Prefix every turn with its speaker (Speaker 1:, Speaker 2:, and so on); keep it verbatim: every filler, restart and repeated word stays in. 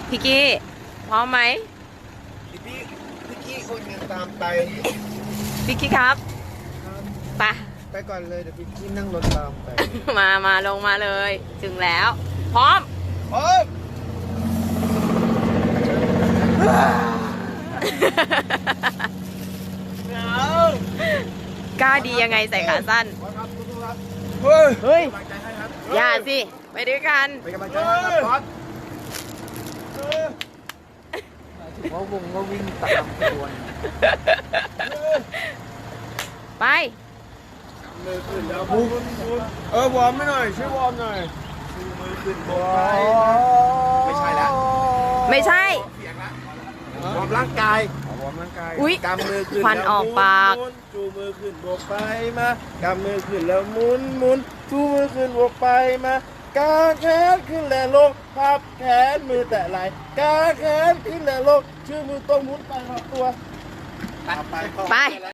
Speaker 1: พี่กี้พร้อมไหม
Speaker 2: พี่พี่พี่กี้คนยังตามไป
Speaker 1: พี่กี้ครับไป
Speaker 2: ไปก่อนเลยเดี๋ยวพี่กี้นั่งรถตามไป
Speaker 1: มามาลงมาเลย ถึงแล้ว พร้อม
Speaker 2: โอ้ย
Speaker 1: กล้าดียังไงใส่ขาสั้น
Speaker 2: เฮ้ย
Speaker 1: เฮ้ย
Speaker 2: กำลังใจให้ครับ
Speaker 1: อย่าสิ ไปด้วยกัน
Speaker 2: เป็นกำลังใจให้ครับบอสว่าวงก็วิ่งตามขบวน
Speaker 1: ไป
Speaker 2: มือขึ้นแล้วบุ้นเออวอร์มไม่หน่อยช่วยวอร์มหน่อยชูมือขึ้นบนไปไม่ใช่แล้ว
Speaker 1: ไม่ใช่
Speaker 2: เสียงละวอร์มร่างกาย วอร์มร่างกาย
Speaker 1: อุ๊ย
Speaker 2: กำมือขึ้น
Speaker 1: ควันออกปาก
Speaker 2: หมุนๆจูมือขึ้นบวกไปมากำมือขึ้นแล้วหมุนหมุนชูมือขึ้นบวกไปมากางแขนขึ้นและลงพับแขนมือแตะไหล่กางแขนขึ้นและลงชื่อมือตรงหมุนไปรอบตัว
Speaker 1: ไป